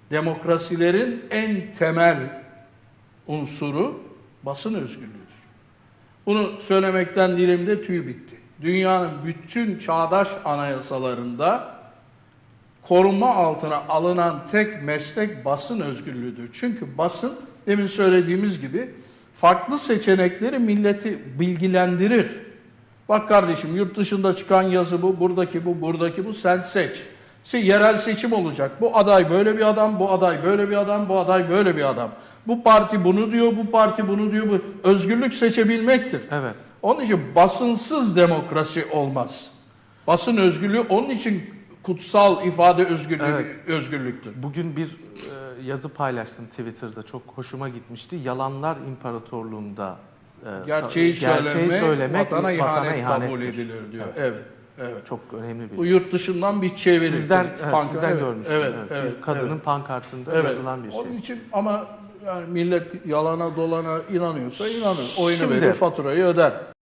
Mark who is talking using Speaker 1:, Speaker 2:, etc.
Speaker 1: Demokrasilerin en temel unsuru basın özgürlüğüdür. Bunu söylemekten dilimde tüy bitti. Dünyanın bütün çağdaş anayasalarında korunma altına alınan tek meslek basın özgürlüğüdür. Çünkü basın, demin söylediğimiz gibi, farklı seçenekleri milleti bilgilendirir. Bak kardeşim, yurt dışında çıkan yazı bu, buradaki bu, buradaki bu, sen seç. Yerel seçim olacak. Bu aday böyle bir adam, bu aday böyle bir adam, bu aday böyle bir adam. Bu parti bunu diyor, bu parti bunu diyor. Bu özgürlük seçebilmektir.
Speaker 2: Evet.
Speaker 1: Onun için basınsız demokrasi olmaz. Basın özgürlüğü onun için kutsal ifade özgürlüğü,
Speaker 2: Evet.
Speaker 1: özgürlüktür.
Speaker 2: Bugün bir yazı paylaştım Twitter'da. Çok hoşuma gitmişti. Yalanlar İmparatorluğu'nda
Speaker 1: Gerçeği söylemek vatana
Speaker 2: ihanettir
Speaker 1: kabul edilir diyor. Evet. Evet.
Speaker 2: Çok önemli
Speaker 1: Bu
Speaker 2: bir.
Speaker 1: yurt dışından bir çeviri.
Speaker 2: Sizden
Speaker 1: Evet,
Speaker 2: görmüştüm.
Speaker 1: Evet,
Speaker 2: Evet.
Speaker 1: evet,
Speaker 2: Bir kadının
Speaker 1: evet.
Speaker 2: pankartında
Speaker 1: Evet.
Speaker 2: yazılan bir şey.
Speaker 1: Onun için ama yani millet yalana dolana inanıyorsa inanır. Oyunu
Speaker 2: Şimdi-
Speaker 1: verir, faturayı öder.